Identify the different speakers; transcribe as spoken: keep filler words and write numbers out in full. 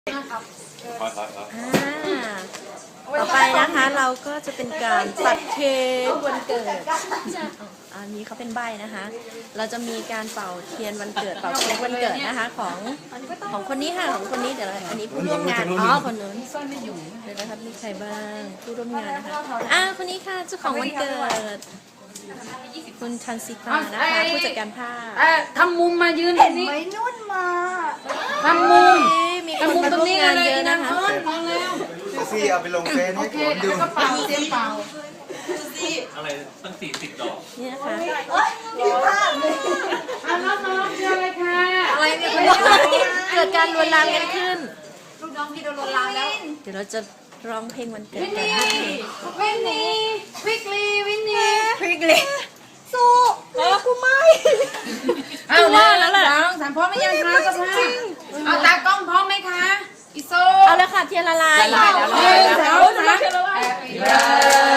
Speaker 1: อ่าต่อไปนะคะเราก็จะเป็นการตัดเค้กวันเกิดอันนี้เขาเป็นใบนะคะ เราจะมีการเป่าเทียนวันเกิดเป่าเค้กวันเกิดนะคะของของคนนี้ค่ะของคนนี้เดี๋ยวอันนี้ผู้ร่วมงานอ๋อคนนู้นเดี๋ยวนะครับมีใครบ้างผู้ร่วมงานนะคะอ่าคนนี้ค่ะเจ้าของวันเกิดคุณชันสิตานะคะผู้จัดการภาพ
Speaker 2: ทำมุมมายืนตรงนี้
Speaker 3: ไม่นุ่นมา
Speaker 2: ทำมุม
Speaker 1: มีคนมาร่วมงานเยอะนะคะ
Speaker 4: ซี่เอาไปลงเฟซให้ผมดู
Speaker 2: กระเป๋าเต็มเป่า
Speaker 5: อะไรตั้งสี่สิบดอก
Speaker 1: นี่นะคะ
Speaker 2: เอาน้องๆเชิญเลยค่ะ
Speaker 1: อะไรเนี่ยเกิดการลวนลามกันขึ้น
Speaker 3: ลูกน้องพี่โดนลวนลามแล้ว
Speaker 1: เดี๋ยวเราจะร้องเพลงวันเกิด
Speaker 2: วิน
Speaker 1: กัน
Speaker 2: นี่วินนี่วิกลีวินนี่
Speaker 1: พริกเลยสู้กูไม่
Speaker 2: เอาว่าแล้วแหละสองสามพร้อมไหมยังคะเจ้าภาพเอาตากล้องพร้อมไหมคะอิโซ
Speaker 1: เอาเลยค่ะเทียนละลาย
Speaker 2: หนึ่งสองสาม